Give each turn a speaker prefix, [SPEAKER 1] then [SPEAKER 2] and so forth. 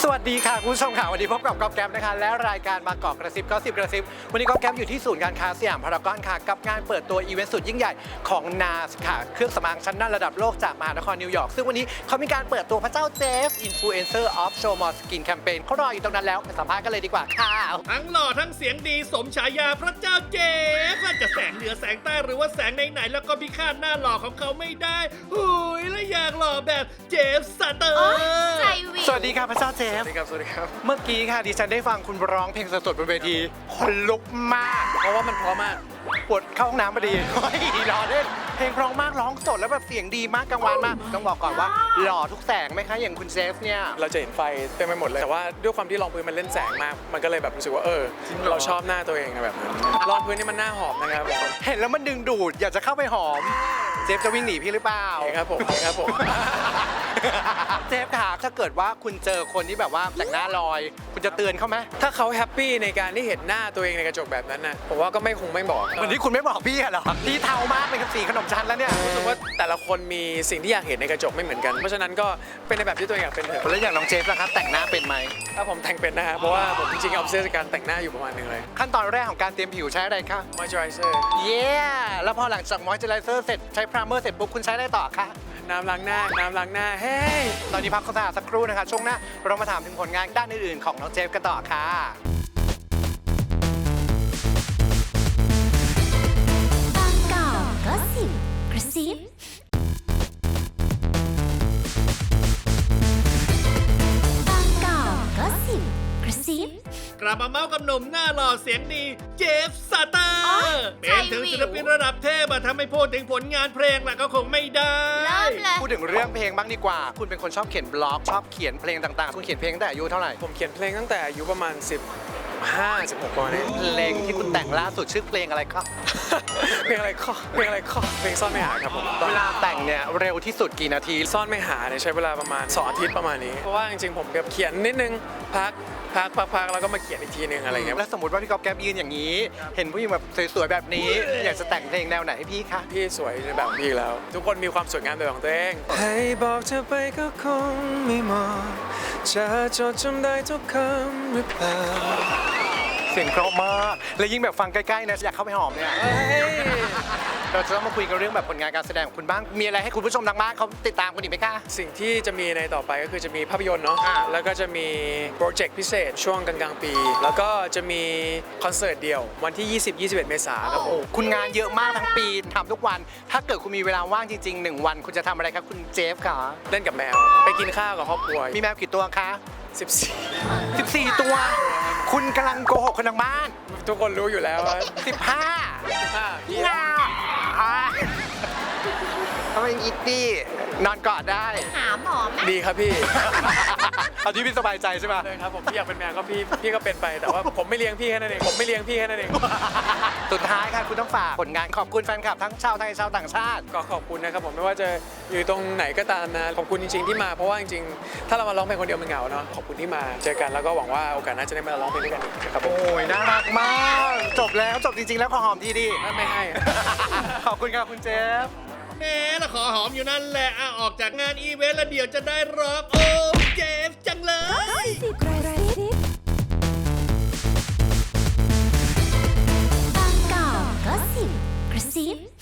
[SPEAKER 1] วัสดีค่ะคุณผู้ชมค่ะวันนี้พบกับก๊อฟแก๊ปนะคะและรายการบางกอกกระซิบก็สิบกระซิบวันนี้ก๊อฟแก๊ปอยู่ที่ศูนย์การค้าสยามพารากอนค่ะกับงานเปิดตัวอีเวนต์สุดยิ่งใหญ่ของ NARS ค่ะเครื่องสำอางชั้นนำระดับโลกจากมหานครนิวยอร์กซึ่งวันนี้เขามีการเปิดตัวพระเจ้าเจฟ Influencer of Show More Skin Campaign เขารออยู่ตรงนั้นแล้วไปสัมภาษณ์กันเลยดีกว่าค่ะ
[SPEAKER 2] ทั้งหล่อทั้งเสียงดีสมฉายาพระเจ้าเจฟว่าจะแสงเหนือแสงใต้หรือว่าแสงไหนๆแล้วก็พิฆาตหน้าหล่อของเขาไม่ได้หุยและอยากหล่อแบบเจฟสเตอร์
[SPEAKER 1] สวัสดีค่ะพระเจ้าเจฟ
[SPEAKER 3] สวัสดีครับ สวัสดีครับ
[SPEAKER 1] เมื่อกี้ค่ะดิฉันได้ฟังคุณร้องเพลงสดๆบนเวทีคนลุกมาก
[SPEAKER 3] เพราะว่ามันเพราะมาก
[SPEAKER 1] ปวดเข้าห้องน้ำพอดีเฮ้ยรอเล่นเพลงเพราะมากร้องสดแล้วแบบเสียงดีมากกังวานมากต้องบอกก่อนว่าหล่อทุกแสงไหมคะอย่างคุณเจฟเนี่ย
[SPEAKER 3] เราจะเห็นไฟเต็มไปหมดเลย แต่ว่าด้วยความที่รองพื้นมันเล่นแสงมาก มันก็เลยแบบรู้สึกว่าเราชอบหน้าตัวเองแบบนั้นรองพื้นนี่มันหน้าหอมนะครับ
[SPEAKER 1] เห็นแล้วมันดึงดูดอยากจะเข้าไปหอมเจฟจะวิ่งหนีพี่หรือเปล่า
[SPEAKER 3] ครับผมครับผม
[SPEAKER 1] เจฟค่ะถ้าเกิดว่าคุณเจอคนที่แบบว่าแต่งหน้าลอย คุณจะเตือนเขาไหม
[SPEAKER 3] ถ้าเขาแฮปปี้ในการที่เห็นหน้าตัวเองในกระจกแบบนั้นนะผมว่าก็คงไม่บอก
[SPEAKER 1] วันนี้คุณไม่บอกพี่เหรอพี่เทามากเป็นกับสีขนมชั้นแล้วเนี่ย
[SPEAKER 3] รู้สึกว่าแต่ละคนมีสิ่งที่อยากเห็นในกระจกไม่เหมือนกัน เพราะฉะนั้นก็เป็นในแบบที่ตัวเองอยากเป็นเถอะ
[SPEAKER 1] แล้วอย่างน้องเจฟล่ะครับแต่งหน้าเป็นไหม
[SPEAKER 3] ถ้าผมแต่งเป็นนะฮะเพราะว่าผมจริงๆเอาเสื้อการแต่งหน้าอยู่ประมาณนึงเลย
[SPEAKER 1] ขั้นตอนแรกของการเตรียมผิวใช้อะไรคะ
[SPEAKER 3] moisturizer
[SPEAKER 1] เย้แล้วพอหลังจากมอยเจอไรเซอร์เสร็จใช้พรามเมอร์เสร็จปุ๊บคุณใช้อะไรต่อคะ
[SPEAKER 3] น้ำล้างหน้าเฮ้ย
[SPEAKER 1] ตอนนี้พักโฆษณาสักครู่นะคะช่วงหน้าเรามาถามถึงผลงานด้านอื่นๆของน้องเจฟกันต่อค่ะ
[SPEAKER 4] บางกอกก็สิบกระซิบางกอกก็สิบกระซิบ
[SPEAKER 2] กลับมาเมาส์กับหนุ่มหน้าหล่อเสียงดีเจฟสเตอร์เป็นถึงศิลปินระดับเทพอะทำให้พูดถึงผลงานเพลงล่ะก็คงไม่ได้
[SPEAKER 4] เริ่มเลย
[SPEAKER 1] พูดถึงเรื่องเพลงบ้างดีกว่า คุณเป็นคนชอบเขียนบล็อกชอบเขียนเพลงต่างๆ คุณเขียนเพลงตั้งแต่อายุเท่าไหร่
[SPEAKER 3] ผมเขียนเพลงตั้งแต่อายุประมาณ16ประมาณนี้
[SPEAKER 1] เพลงที่คุณแต่งล่าสุดชื่อเพลงอะไรครับ
[SPEAKER 3] เพลงอะไรข้อเพลงซ่อนไม่หาครับผม
[SPEAKER 1] เวลาแต่งเนี่ยเร็วที่สุดกี่นาที
[SPEAKER 3] ซ่อนไม่หาเนี่ยใช้เวลาประมาณ2 อาทิตย์ประมาณนี้เพราะว่าจริงๆผมแบบเขียนนิดนึงพักแล้วก็มาเขียนอีกทีนึงอะไรเงี้ย
[SPEAKER 1] แล้วสมมติว่าพี่ก๊อฟแก๊ปยืนอย่างนี้ เห็นผู้หญิงแบบสวยๆแบบนี้ อยากจะแต่งเพลงแนวไหนให้พี่คะ
[SPEAKER 3] พี่สวยในแบบพี่แล้ว ทุกคนมีความสวยงามแบบของตัวเองให้บอกเธอไปก็คงไม่เหมาะจะจดจำได้ทุกคำหรือเปล่า
[SPEAKER 1] เสียงเพราะมากและยิ่งแบบฟังใกล้ๆนะอยากเข้าไปหอมเนี่ยเราจะต้องมาคุยกันเรื่องแบบผลงานการแสดงของคุณบ้างมีอะไรให้คุณผู้ชมทางบ้านเขาติดตามคุณอีกไหมคะ
[SPEAKER 3] สิ่งที่จะมีในต่อไปก็คือจะมีภาพยนตร์เนาะแล้วก็จะมีโปรเจกต์พิเศษช่วงกลางๆปี แล้วก็จะมีคอนเสิร์ตเดี่ยววันที่ 20-21 เมษายนครับผม
[SPEAKER 1] คุณงานเยอะมากทั้งปีทำทุกวัน ถ้าเกิดคุณมีเวลาว่างจริงๆ1 วันคุณจะทำอะไรครับคุณเจฟคะ
[SPEAKER 3] เล่นกับแมวไปกินข้าวกับครอบครัว
[SPEAKER 1] มีแมวกี่ตัวคะ
[SPEAKER 3] 14
[SPEAKER 1] 14 ตัว คุณกำลังโกหกคนทางบ้าน
[SPEAKER 3] ทุกคนรู้อยู่แล้วว่า
[SPEAKER 1] 15พี่นาทำไมอิตตี้นอนกอดได้
[SPEAKER 4] หาหมอไหม
[SPEAKER 3] ดีครับพี่
[SPEAKER 1] เอาที่พี่สบายใจใช่ไหม
[SPEAKER 3] เลยครับผมพี่อยากเป็นแมวก็พี่ก็เป็นไปแต่ว่าผมไม่เลี้ยงพี่แค่นั้นเองผมไม่เลี้ยงพี่แค่นั้นเอง
[SPEAKER 1] สุดท้ายค่ะคุณต้องฝากผลงานขอบคุณแฟนคลับทั้งชาวไทยชาวต่างชาติ
[SPEAKER 3] ก็ขอบคุณนะครับผมไม่ว่าจะอยู่ตรงไหนก็ตามนะขอบคุณจริงๆที่มาเพราะว่าจริงๆถ้าเรามาร้องเพลงคนเดียวมันเหงาเนาะขอบคุณที่มาเจอกันแล้วก็หวังว่าโอกาสหน้าจะได้มาร้องเพลงด้วยกันอีกนะครับผม
[SPEAKER 1] โอ้ยน่ารักมาก จบแล้วจบจริงๆแล้วขอหอมทีดิ
[SPEAKER 3] ไม่ให้
[SPEAKER 1] ขอบคุณครับคุณเจฟ
[SPEAKER 2] แม่ละขอหอมอยู่นั่นแหละออกจากงานอีเวนต์แล้วเดี๋ยวจะได้ร้องโอ้เจฟจังเลย
[SPEAKER 4] กระซิบางกอกก็สิบกระซิบ